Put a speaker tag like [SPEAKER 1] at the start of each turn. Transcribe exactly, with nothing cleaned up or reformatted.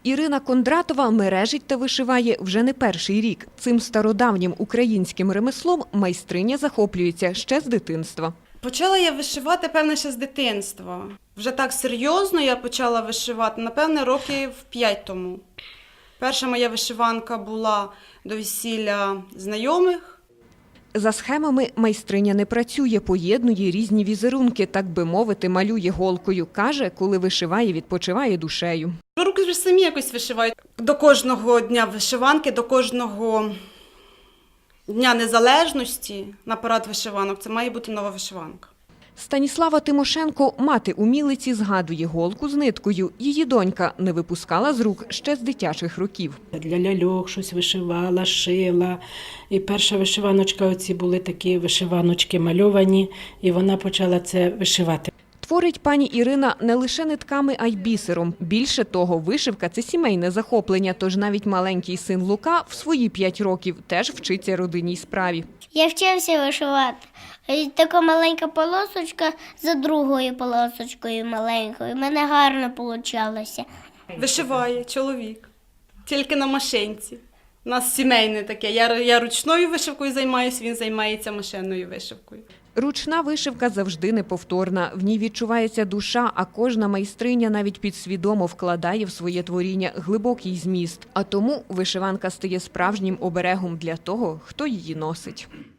[SPEAKER 1] Ірина Кондратова мережить та вишиває вже не перший рік. Цим стародавнім українським ремеслом майстриня захоплюється ще з дитинства.
[SPEAKER 2] Почала я вишивати, певне, ще з дитинства. Вже так серйозно я почала вишивати, напевне, років п'ять тому. Перша моя вишиванка була до весілля знайомих.
[SPEAKER 1] За схемами майстриня не працює, поєднує різні візерунки, так би мовити, малює голкою. Каже, коли вишиває, відпочиває душею.
[SPEAKER 2] Руки вже самі якось вишивають. До кожного дня вишиванки, до кожного Дня Незалежності на парад вишиванок це має бути нова вишиванка.
[SPEAKER 1] Станіслава Тимошенко, мати умілиці, згадує голку з ниткою. Її донька не випускала з рук ще з дитячих років.
[SPEAKER 3] Для ляльок щось вишивала, шила. І перша вишиваночка, оці були такі вишиваночки мальовані, і вона почала це вишивати.
[SPEAKER 1] Творить пані Ірина не лише нитками, а й бісером. Більше того, вишивка – це сімейне захоплення, тож навіть маленький син Лука в свої п'ять років теж вчиться родинній справі.
[SPEAKER 4] Я вчився вишивати. Така маленька полосочка за другою полосочкою маленькою. У мене гарно вийшло.
[SPEAKER 2] Вишиває чоловік, тільки на машинці. У нас сімейне таке. Я, я ручною вишивкою займаюся, він займається машинною вишивкою.
[SPEAKER 1] Ручна вишивка завжди неповторна. В ній відчувається душа, а кожна майстриня навіть підсвідомо вкладає в своє творіння глибокий зміст. А тому вишиванка стає справжнім оберегом для того, хто її носить.